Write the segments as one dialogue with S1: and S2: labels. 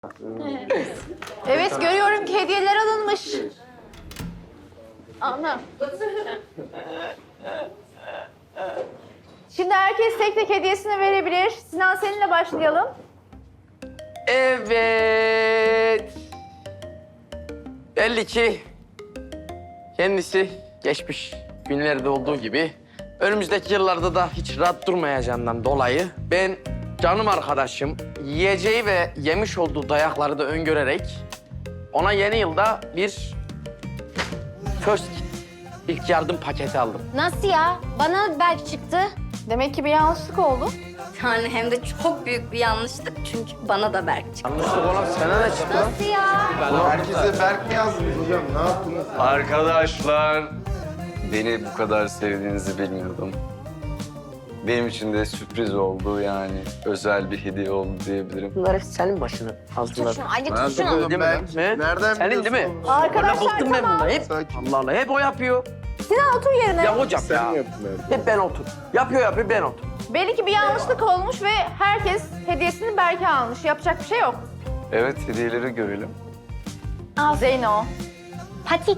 S1: Evet, görüyorum ki hediyeler alınmış. Ana. Şimdi herkes tek tek hediyesini verebilir. Sinan seninle başlayalım.
S2: Evet. Belli ki kendisi geçmiş günlerde olduğu gibi önümüzdeki yıllarda da hiç rahat durmayacağından dolayı ben canım arkadaşım yiyeceği ve yemiş olduğu dayakları da öngörerek ona yeni yılda bir first kit, ilk yardım paketi aldım.
S3: Nasıl ya? Bana belki çıktı.
S1: Demek ki bir yanlışlık oldu.
S3: Yani hem de çok büyük bir yanlışlık çünkü bana da Berk çıktı.
S2: Yanlışlık olan sana ne çıktı?
S3: Nasıl ya?
S4: Herkese Berk mi yazdınız hocam? Ne yaptınız?
S5: Arkadaşlar, beni bu kadar sevdiğinizi bilmiyordum. Benim için de sürpriz oldu yani. Özel bir hediye oldu diyebilirim.
S2: Bunlar hep senin başına hazırladım.
S3: Şunu acık
S4: Nerede
S3: şunu.
S4: oğlum
S2: Değil mi
S4: Berk?
S2: lan? He?
S4: Nereden
S2: Senin değil mi?
S4: biliyorsun?
S1: Arkadaşlar
S2: Bıktım ben
S1: tamam.
S2: bundan hep.
S4: Sakin.
S2: Allah Allah hep o yapıyor.
S1: Sinan otur yerine.
S2: Ya hocam
S4: Sen
S2: ya.
S4: mi yaptın evde?
S2: Hep ben otur. Yapıyor ben otur.
S1: Belli ki bir yanlışlık olmuş ve herkes hediyesini Berk'e almış. Yapacak bir şey yok.
S5: Evet, hediyeleri görelim.
S1: Zeyno.
S3: Patik.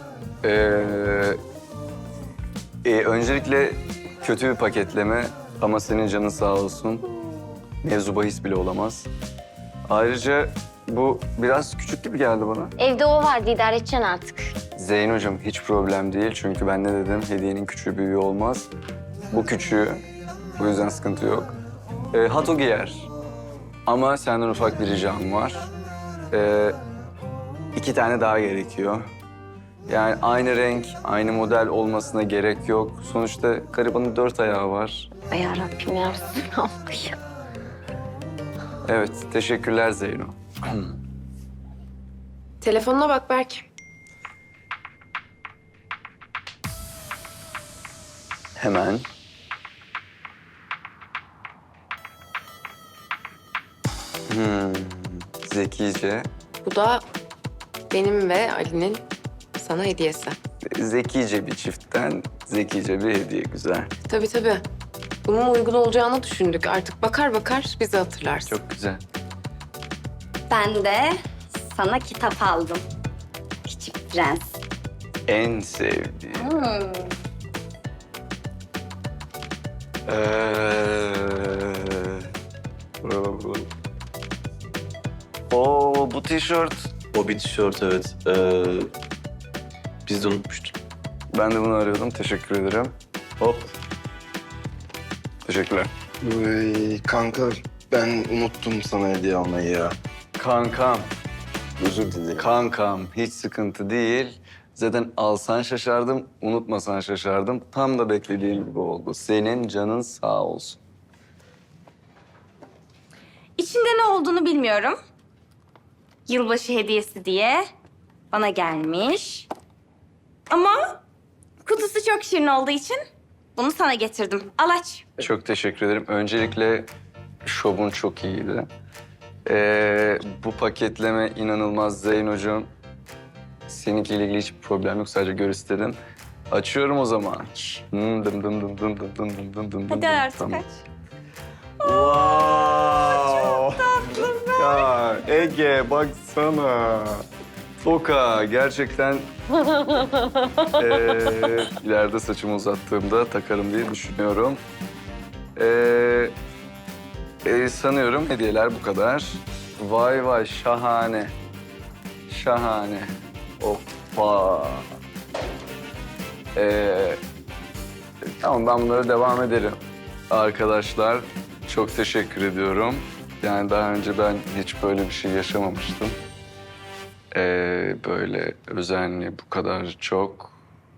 S5: Öncelikle kötü bir paketleme ama senin canın sağ olsun. Mevzu bahis bile olamaz. Ayrıca bu biraz küçük gibi geldi bana.
S3: Evde o vardı, idare edeceksin artık.
S5: Zeyn hocam hiç problem değil çünkü ben ne dedim hediyenin küçüğü büyüğü olmaz. Bu küçüğü, o yüzden sıkıntı yok. Hato giyer ama senden ufak bir ricam var. 2 tane daha gerekiyor. Yani aynı renk, aynı model olmasına gerek yok. Sonuçta garibanın 4 ayağı var.
S3: Ay yarabbim ya Resulallah ya.
S5: Evet, teşekkürler Zeyno.
S6: Telefonuna bak Berk.
S5: Hemen. Zekice.
S6: Bu da benim ve Ali'nin sana hediyesi.
S5: Zekice bir çiftten zekice bir hediye, güzel.
S6: Tabii tabii. Bunun uygun olacağını düşündük. Artık bakar bakar bizi hatırlarsın.
S5: Çok güzel.
S3: Ben de sana kitap aldım. Küçük Prens.
S5: En sevdiğim. Oo, bu tişört.
S7: O bir tişört evet. Biz de unutmuştuk.
S5: Ben de bunu arıyordum. Teşekkür ederim.
S7: Hop.
S5: Teşekkürler.
S4: Kanka ben unuttum sana hediye almayı ya.
S5: Kankam,
S4: Özür dilerim.
S5: kankam hiç sıkıntı değil. Zaten alsan şaşardım, unutmasan şaşardım. Tam da beklediğim gibi oldu. Senin canın sağ olsun.
S8: İçinde ne olduğunu bilmiyorum. Yılbaşı hediyesi diye bana gelmiş. Ama kutusu çok şirin olduğu için bunu sana getirdim. Al aç.
S5: Çok teşekkür ederim. Öncelikle şovun çok iyiydi. Bu paketleme inanılmaz Zeyn hocam. Seninkiyle ilgili hiçbir problem yok. Sadece gör istedim. Açıyorum o zaman. Dım dım dım dım dım dım dım dım dım.
S8: Hadi artık
S5: Tamam.
S8: aç.
S5: Wow. Ya Ege baksana. Toka gerçekten ileride saçımı uzattığımda takarım diye düşünüyorum. Sanıyorum hediyeler bu kadar. Vay vay şahane. Şahane. Hoppa. Tamam ben bunlara devam ederim. Arkadaşlar çok teşekkür ediyorum. Yani daha önce ben hiç böyle bir şey yaşamamıştım. Böyle özenli bu kadar çok.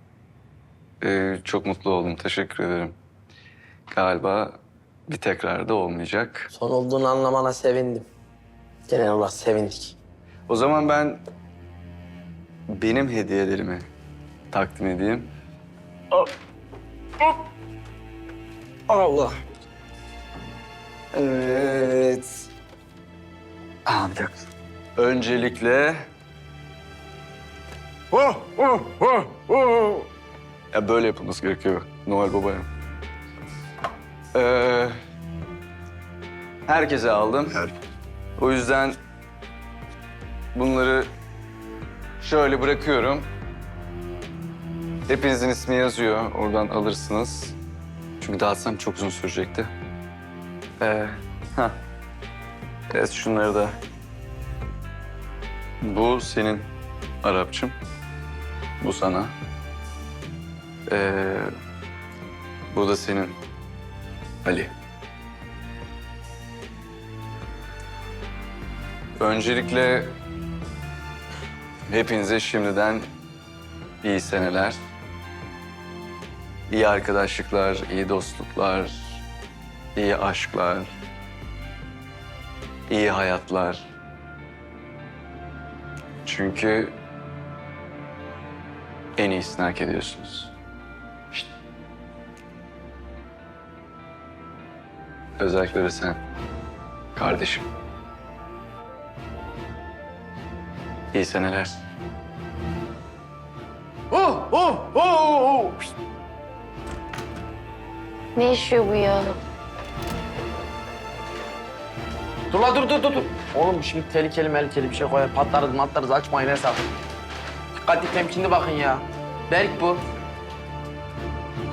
S5: Çok mutlu oldum. Teşekkür ederim. Galiba bir tekrar da olmayacak.
S2: Son olduğunu anlamana sevindim. Genel olarak sevindik.
S5: O zaman ben benim hediyelerimi takdim edeyim.
S2: Allah.
S5: Evet. Bir dakika. Öncelikle... Ya böyle yapılması gerekiyor Noel Baba'ya. Herkese aldım. O yüzden bunları şöyle bırakıyorum. Hepinizin ismi yazıyor. Oradan alırsınız. Çünkü dağıtsam çok uzun sürecekti. Ha. Evet, şunları da. Bu senin Arapçım. Bu sana. Bu da senin Ali. Öncelikle hepinize şimdiden iyi seneler. İyi arkadaşlıklar, iyi dostluklar, iyi aşklar, iyi hayatlar. Çünkü en iyisini hak ediyorsunuz. İşte. Özellikle de sen, kardeşim. İyi seneler.
S1: Ne yaşıyor bu ya?
S2: Dur la dur. Oğlum şimdi tehlikeli bir şey koyar. Patlarız açmayın hesap. Dikkatli temkinli bakın ya. Berk bu.